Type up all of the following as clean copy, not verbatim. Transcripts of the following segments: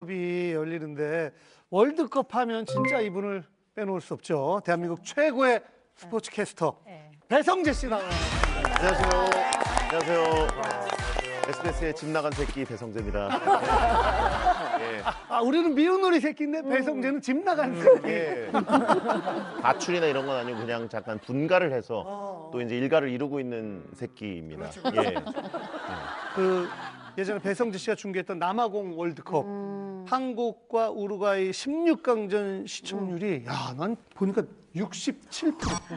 월드컵이 열리는데 월드컵 하면 진짜 이분을 빼놓을 수 없죠. 대한민국 최고의 스포츠 캐스터 배성재 씨 나와요. 안녕하세요. 안녕하세요. SBS의 집 나간 새끼 배성재입니다. 예. 아, 우리는 미운 우리 새끼인데 배성재는 집 나간 새끼. 예. 가출이나 이런 건 아니고 그냥 잠깐 분가를 해서 또 이제 일가를 이루고 있는 새끼입니다. 예. 그 예전에 배성재 씨가 중계했던 남아공 월드컵 한국과 우루과이 16강전 시청률이 야, 난 보니까 67%.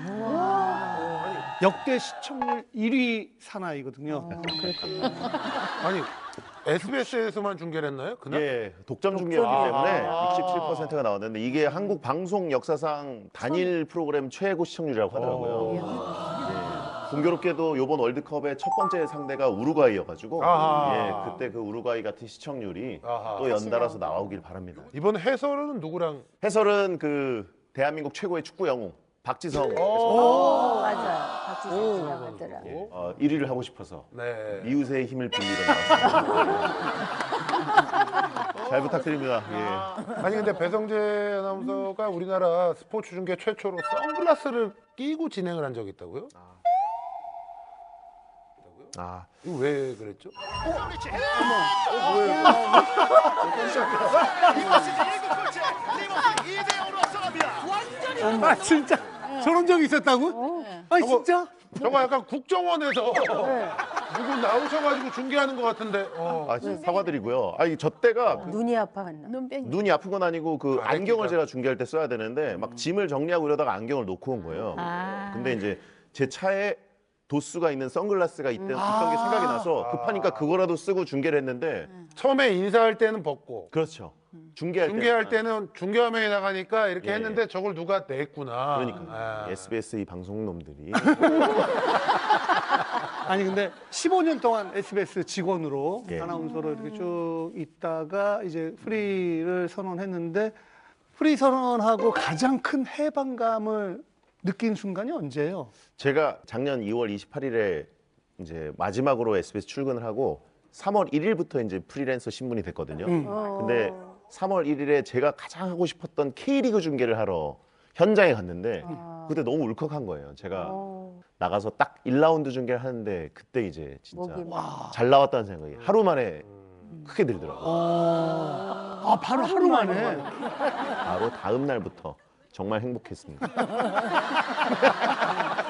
역대 시청률 1위 사나이거든요. 아니 SBS에서만 중계를 했나요? 그날? 예, 독점 중계였기 때문에 67%가 나왔는데 이게 한국 방송 역사상 단일 프로그램 최고 시청률이라고 하더라고요. 예, 공교롭게도 이번 월드컵의 첫 번째 상대가 우루과이여가지고 예, 그때 그 우루과이 같은 시청률이 또 연달아서 나오길 바랍니다. 이번 해설은 누구랑? 해설은 그 대한민국 최고의 축구 영웅 박지성 해설. 맞아요. 박지성 지나가더라. 1위를 하고 싶어서 네. 이웃의 힘을 빌리러 나왔습니다. 잘 부탁드립니다. 예. 아니 근데 배성재 아나운서가 우리나라 스포츠 중계 최초로 선글라스를 끼고 진행을 한 적이 있다고요? 아, 이거 왜 그랬죠? 아, 진짜 저런 적이 있었다고? 아니 진짜? 저거 약간 국정원에서 누구 나오셔가지고 중계하는 것 같은데. 사과드리고요. 아니 저 때가 눈이 아파갔나? 눈이 아픈 건 아니고 그 안경을 제가 중계할 때 써야 되는데 막 짐을 정리하고 이러다가 안경을 놓고 온 거예요. 근데 이제 제 차에 도수가 있는 선글라스가 있던 게 생각이 나서 급하니까 그거라도 쓰고 중계를 했는데 처음에 인사할 때는 벗고 그렇죠. 중계할 때는 중계화면에 나가니까 이렇게 예. 했는데 저걸 누가 냈구나. 그러니까 SBS 이 방송놈들이 아니 근데 15년 동안 SBS 직원으로 예. 아나운서로 이렇게 쭉 있다가 이제 프리를 선언했는데 프리 선언하고 가장 큰 해방감을 느낀 순간이 언제예요? 제가 작년 2월 28일에 이제 마지막으로 SBS 출근을 하고 3월 1일부터 이제 프리랜서 신분이 됐거든요. 근데 3월 1일에 제가 가장 하고 싶었던 K리그 중계를 하러 현장에 갔는데 그때 너무 울컥한 거예요. 제가 나가서 딱 1라운드 중계를 하는데 그때 이제 진짜 잘 나왔다는 생각이 하루 만에 크게 들더라고요. 아, 바로 하루 만에. 바로 다음 날부터 정말 행복했습니다.